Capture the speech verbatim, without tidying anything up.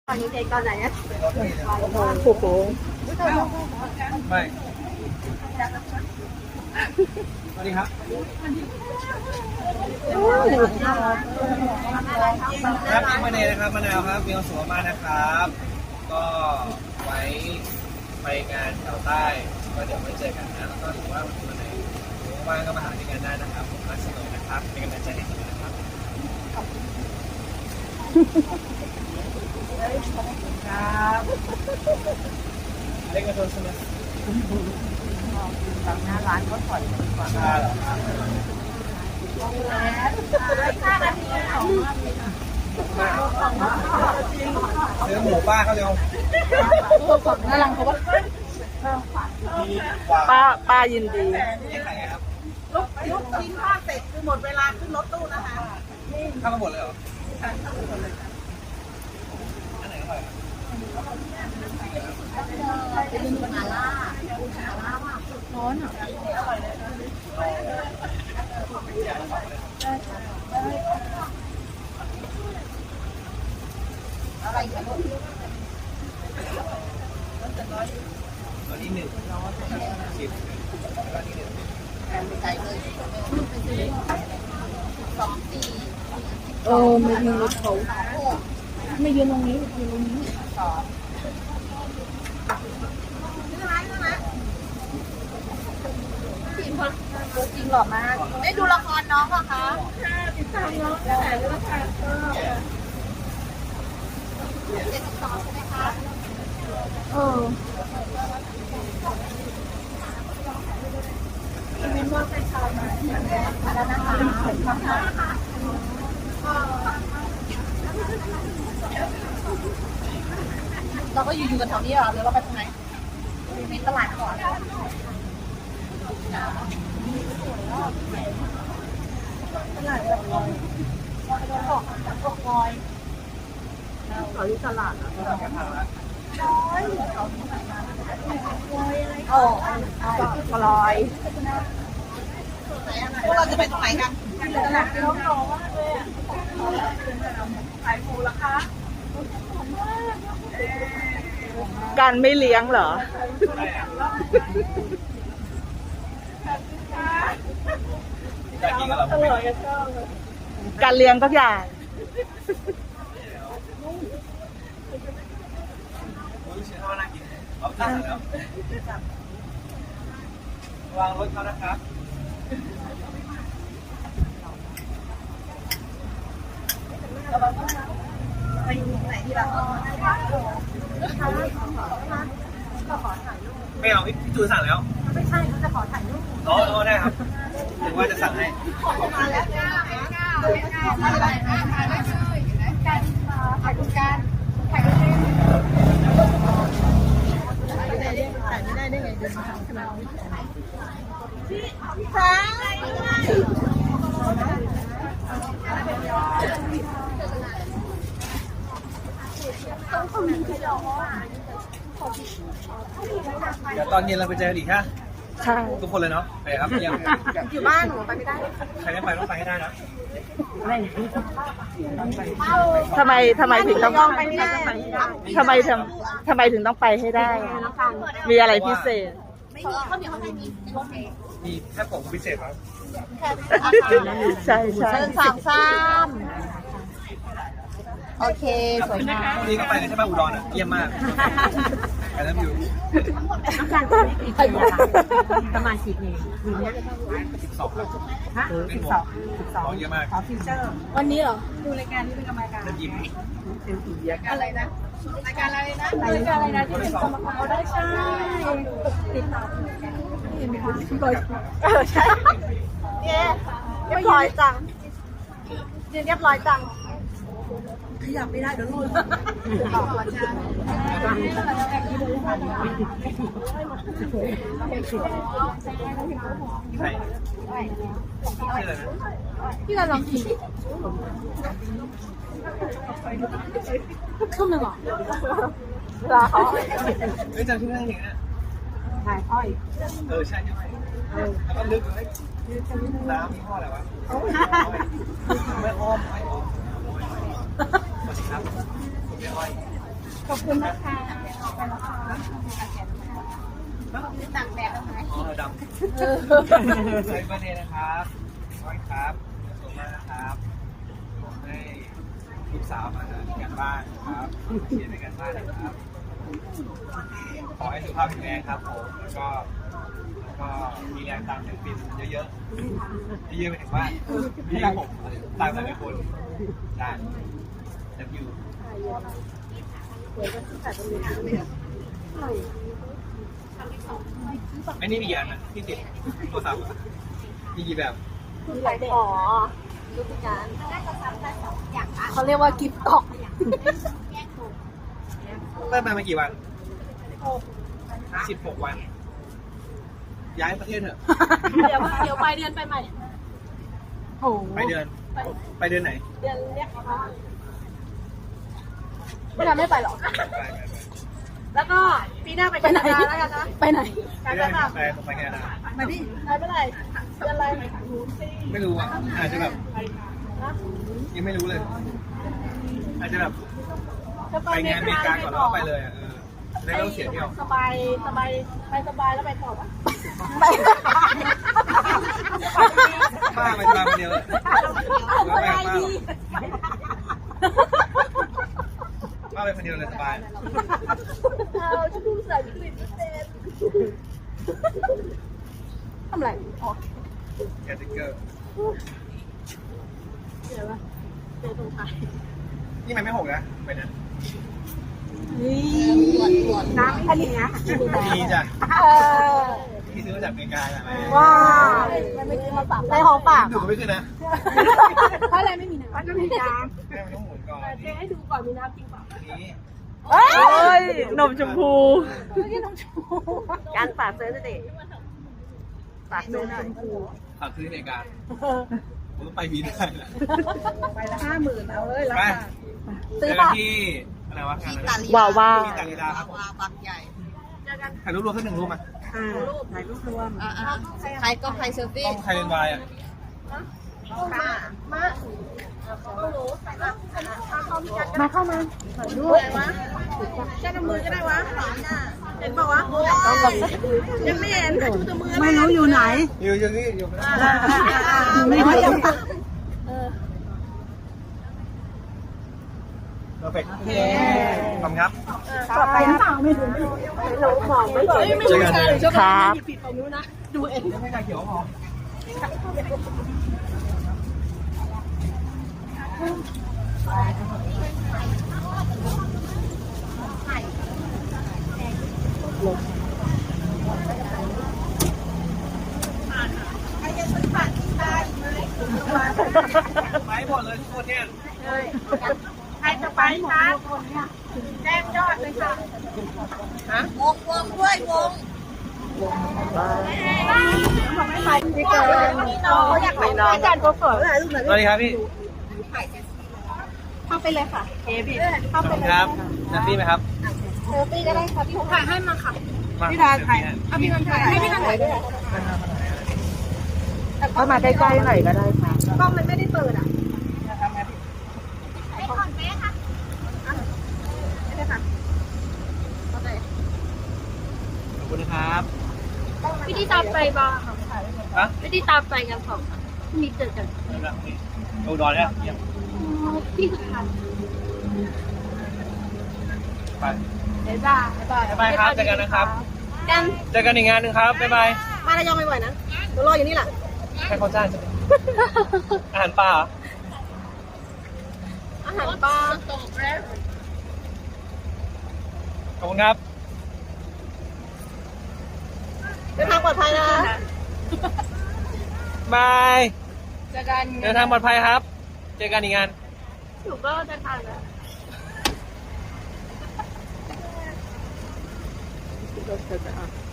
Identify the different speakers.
Speaker 1: ตอนนี้เด็กตอนไหนเนี่ย
Speaker 2: โอ้โห
Speaker 3: ไม่สวัสดีครับครับพี่มะเนยนะครับมะนาวครับมีความสุขมากนะครับ ก็ไว้ไปงานแถวใต้ก็เดี๋ยวไว้เจอกันนะแล้วก็ถือว่าวันไหนว่างก็มาหาที่งานได้นะครับผมรักเสมอนะครับเป็นกำลังใจให้เสมอนะครับครับเล็กกระโดดใช่ไหม
Speaker 1: ทางหน้าร้านก็ถอยกว่า
Speaker 3: ใช่เหรอครับซื้อหมูป้าเขาเร็ว
Speaker 1: ฝั่งหน้าร้านเขาว่า
Speaker 2: ป้าป้ายินดี
Speaker 3: นี่ใครครับ
Speaker 1: ลูกลูกชิ้นทอดเสร็จคือหมดเวลาขึ้นรถตู้นะคะ
Speaker 3: เข้ามาหมดเลยเหรออันไหนอร่อย
Speaker 1: เป็นมาล่าร้อนอ่ะอะไรกัน
Speaker 3: อันนี้หนึ่งสิบแล้วนี่หนึ่ง
Speaker 1: ใจเลยสองสี่
Speaker 2: เออไม่มีรถเขาไม่ยืนตรงนี้ยืนตรงนี้
Speaker 1: สองชื่ออะไรชื่ออะไรทีมพลจริงหล่อมากได้ดูละครน้องเหรอคะค่ะติดตามน้องตั้งแต่เรื่องการก็เจ็ดสิบสองใช่ไหมคะเออมินว่าไปชาวมาแล้วนะคะเราก็อยู่อยู่กันแถวนี้เหรอหรือเราไปทางไหนในตลาดก่อนตลาดแบบลอยเราต้องออกลอยขอที่ตลาดอ่ะลอยโอ้ลอยพวกเราจะไปตรงไหนกันตลาดน้องน้องมากเลยขายหมูละคะ
Speaker 2: การไม่เลี้ยงเหรอ
Speaker 3: อยากกินกับเรา
Speaker 2: อร่อยชอบการเลี้ยงทุกอย่าง
Speaker 3: รู้ชื่อเขาน่ากินเอาตั้งแล้ววางรถเขานะครับ
Speaker 1: ไปไหนดีล่ะ
Speaker 3: ไม่เอาพี่จูนสั่งแล้ว
Speaker 1: ไม่ใช่เขาจะขอถ่ายรูป
Speaker 3: อ๋ออ๋อได้ครับถึงว่าจะสั่งให้
Speaker 1: มาแล้วจ้าจ้าจ้าอะไรนะถ่ายได้เลยการถ่ายรูปการถ่ายรูปเล่นถ่ายไม่ได้ได้ไงเดินมาทำขนาดนี้จ้า
Speaker 3: เดี๋ยวตอนเย็นเราไปเจอกันอีกฮะ
Speaker 2: ใช่
Speaker 3: ทุกคนเลยเนาะไปครับยัง
Speaker 1: อยู่บ้านหนูไปไม่ได้
Speaker 3: ใครไม่ไปต้องไปให้ได้นะ
Speaker 2: ทำไมทำไมถึงต้อง
Speaker 1: ไปไม่ได้
Speaker 2: ทำไมทำทำไมถึงต้องไปให้ได้ มีอะไรพิเศษ
Speaker 1: ไม่มีข้าวเหนียวข้างในมีรถเมล์
Speaker 3: มีแค่ผมพิเศษครับ
Speaker 1: แค่
Speaker 2: ใช่ใช่
Speaker 1: เชิญสามซ้ำโอเคสวยงาม
Speaker 3: วันนี้ก็ไปเลยใช่ไหมอุดรอ่ะเยี่ยมมากไปแล้วอยู่
Speaker 1: ต้องการจะได้กี่ปีอะคะประมาณกี่ปีปีนี้
Speaker 3: สิบสองครับ
Speaker 1: ฮะสิบสองสิบสอง
Speaker 3: เยอะมาก
Speaker 1: ขอฟิวเจอร์วันนี้เหรอดูรายการนี้เป็นกรรมการ
Speaker 3: เล่นยิ้ม
Speaker 1: อะไรนะรายการอะไรนะรายการอะไรนะที่เป็นกรรมการเอาได้ใช่ติดตามเห็นไหมคะพี่บอยเออใช่เย้เรียบร้อยจังเรียบร้อยจังขยับไม่ได้เดี๋ยวรุ่นขอบคุณจ้า
Speaker 3: ใครชื่ออะไรนะ
Speaker 1: พี่เราลองกินครึ่งหนึ่งหรอลาเขา
Speaker 3: เฮ้ยจำชื่อเรื่องนี้นะ
Speaker 1: ถ่ายอ้อย
Speaker 3: เออใช่ใช่ไหมแล้วก็ลึกเลยน้ำมีข้ออะไรวะไม่อ้อมไม่อ้อมสวัสดีครับผมเป็นอ้อย
Speaker 1: ขอบคุณนะคะไปแล้วค่ะ
Speaker 3: ต่างแดดแล้วไหมอ๋อดำใส่ประเด็นนะครับร้อยครับสวัสดีนะครับผมให้ลูกสาวมาทำการบ้านครับเขียนในการบ้านนะครับ ขอให้สุขภาพแข็งแรงครับผมแล้วก็แล้วก็มีแรงตามศิลปินเยอะๆเยอะๆไปถึงว่าพี่ผมตามหลายๆคนได้ดับยูไอ้นี่มีกี่อันนะที่ติดโทรศัพท์อะมีกี่แบบ
Speaker 1: อ๋อรูปการเขาเรียกว่ากิฟต์กล่อง
Speaker 3: เริ่มมามากี่วันสิบหกวัน ย้ายประเทศเถอะ
Speaker 1: เดี๋ยวเดี๋ยวไปเดือนไปใหม่โอ้
Speaker 3: ไปเดือน ไปเดือนไหน
Speaker 1: เดือนเรียกค่ะไม่ทำไม่ไปหรอก
Speaker 3: ไปไปไป
Speaker 1: แล้วก็ปีหน้าไปแคนาดาแล้วกันนะไปไหน
Speaker 3: ไปเดือนไหนไปไปแคนาดา
Speaker 1: มาดิไปเมื่อไหร่เดือนอะไร
Speaker 3: ไม่รู้อ่ะ อาจจะแบบยังไม่รู้เลย อาจจะแบบไปงานอเมริกาก่อนแล้วก็ไปเลยอ่ะเออจะได้ไม่ต้องเสียเที่ยว
Speaker 1: สบายสบายไปสบายแล้วไปต่อปะ
Speaker 3: ป้าไปตามคนเดียวเลยป้าไปป้าป้าไปคนเดียวเลยสบาย
Speaker 1: เอาฉันดูใส่กลิ่นพิเศษทำไรอ๋อ
Speaker 3: แคทติเกอร์
Speaker 1: เดี๋ยวว่าเจอตรงท้าย
Speaker 3: นี่มันไม่หกนะไปนะ
Speaker 1: นี่น้ำอันนี้นะ
Speaker 3: ดีจ้ะ
Speaker 1: เออ
Speaker 3: ที่ซื้อมาจากอเมริกาอะไร
Speaker 1: ว้าวไม่กินมาฝากในห้องฝาก
Speaker 3: ดูก็ไม่ขึ้นนะ
Speaker 1: เพราะอะไรไม่มีน้ำมันไม่มีน้
Speaker 3: แม่มันต้องหมุนก่อน
Speaker 1: ำเจ๊ให้ดูก่อนมีน้ำจริงเปล่า
Speaker 3: นี้
Speaker 2: โอ้ยนมชมพู
Speaker 1: ไม่กินน้ำชู
Speaker 2: การฝากซื้อสิ ฝากซื้อหน่อย
Speaker 3: ขับซื้ออเมริกาผมต้องไปบีได้นะ
Speaker 1: ไปละห้าหมื่นเอาเลยรา
Speaker 3: ไป
Speaker 1: คา
Speaker 3: เจอกันที่อะไรวะงานอะไร
Speaker 2: ว้าวว้า
Speaker 3: ที่ตาลีดาครับผมถ่ายรูปรวมสักหนึ่งรูปมา
Speaker 1: ถ่ายรูปรวม
Speaker 4: ใครก็ใครเซลฟี่
Speaker 3: ต้องใครเป็นวายอ่ะ
Speaker 1: มาเข้ามาถ่ายรูปอะไรวะแค่น้ำมือก็ได้วะเห็นบอกวะยังไม่เห็นดูแต่มือไม่รู้อยู่ไหน
Speaker 3: อยู่อยู่นี่อยู่
Speaker 1: ไม่รู้ยัง
Speaker 3: เพอร์เฟกต์ขอบคุณครับ
Speaker 1: ต่อไปหรือเปล่าไม่รู้ไม่รู้ไม่รู้มองไม่เห็นไม่รู้ใช่หรือใช่หยิบผิดไปนู้นนะดูเอง
Speaker 3: ไม่ได้เขียวพอ ไปหมดเลยทุกคนเนี่ย
Speaker 1: ใครจะไปครับแจ้งยอดเลยค่ะ
Speaker 4: วงวงด้วยวง
Speaker 1: ไม่ไปที่เกินน้องอยากไปน้องอาจารย์โกเฟิร์
Speaker 3: สวัสดีครับพี่
Speaker 1: เข้าไปเลยค่ะเอพี่เข้า
Speaker 3: ขอบ
Speaker 1: ไป
Speaker 3: คุณ
Speaker 1: เลย
Speaker 3: ครับนัตตี้ไหมครับ
Speaker 1: เซลฟี่ก็ได้ค่ะพี่ถ่ายให้มาค่ะ
Speaker 3: มา
Speaker 1: พี่ดาถ่ายเอาพี่ดาถ่ายให้พี่ดาถ่ายด้วย
Speaker 2: เข้ามาใกล้ๆหน่อยก็ได้ค่ะ
Speaker 1: กล้องมันไม่ได้เปิดอ่ะ
Speaker 3: ขอบคุณนะครับ
Speaker 1: พี่ที่ตามไปบ้าง
Speaker 3: ฮะ
Speaker 1: พี่ที่ตามไปกันสองมีเจอกัน
Speaker 3: นี่ละนี่อุดรเนี่ยเยี่ยม
Speaker 1: พี่สุดท้าย
Speaker 3: ไป
Speaker 1: บ๊ายบายบ๊ายบาย
Speaker 3: บ๊ายบายครับเจอกันนะครับ
Speaker 1: กัน
Speaker 3: เจอกันอีกงานหนึ่งครับ บ๊ายบาย
Speaker 1: มาระยองบ่อยๆนะเดี๋ยวรออยู่นี่แหละ
Speaker 3: ให้เขาจ้างใช่ไหมอาหารปลาเหรอ
Speaker 1: อาหารปลา
Speaker 3: ขอบคุณครับ
Speaker 1: เดินทางปลอดภัยนะ
Speaker 3: บาย
Speaker 1: เจอกัน
Speaker 3: เดินทางปลอดภัยครับ เจอกันอีกงาน
Speaker 1: หนูก็เดินทางแล้ว
Speaker 2: รถเธอจะอ่ะ